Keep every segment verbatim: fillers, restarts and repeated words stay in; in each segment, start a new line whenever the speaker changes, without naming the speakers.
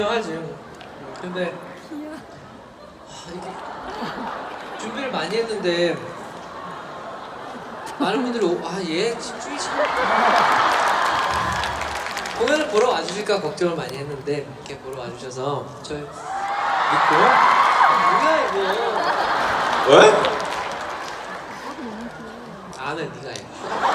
하지. 근데 아, 이게 준비를 많이 했는데 많은 분들이 아얘 집중이 참 공연을 보러 와주실까 걱정을 많이 했는데 이렇게 보러 와주셔서 저희 믿고 뭐야 이거
왜?
아는 네가 해.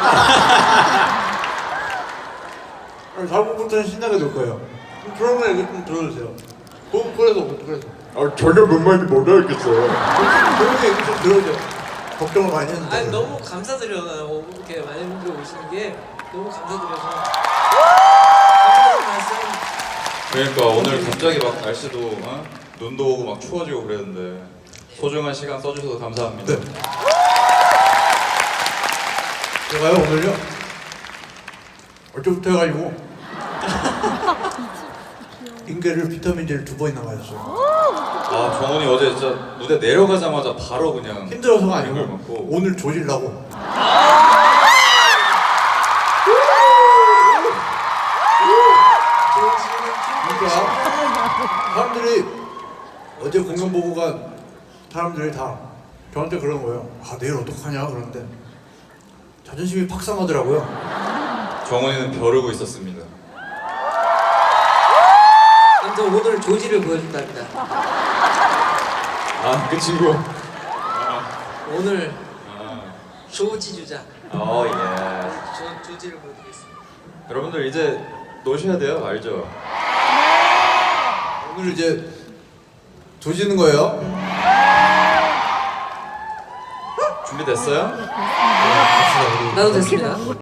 다음 곡부터는 신나게 놀 거예요. 그러면 얘기 좀 들어주세요. 그, 그래서 그래서.
아 전혀 뭔 말인지 못 알겠어요.
그런 얘기 좀 들어주세요. 걱정을 많이 했는데.
아니 너무 감사드려요. 이렇게 많은 분들 오시는 게 너무 감사드려서 감사한 말씀.
그러니까 오늘 갑자기 막 날씨도 어? 눈도 오고 막 추워지고 그랬는데 소중한 시간 써주셔서 감사합니다.
네. 제가요 오늘요 어제부터 해가지고 인계를 비타민제를 두 번이나 맞았어요.
아 정원이 어제 진짜 무대 내려가자마자 바로 그냥
힘들어서가
이걸
아니고
먹고.
오늘 조질라고. 그러니까 사람들이 어제 공연 보고 간 사람들이 다 저한테 그러는 거예요. 아 내일 어떡하냐 그러는데 자존심이 팍 상하더라고요.
정원이는 벼르고 있었습니다.
아무튼 오늘 조지를 보여준답니다.
아 그 친구.
오늘
아,
조지 주자.
어 예.
조, 조지를 보여드리겠습니다.
여러분들 이제 노셔야 돼요, 알죠?
오늘 이제 조지는 거예요.
준비됐어요?
갑시다, 우리.
나도 됐습니다.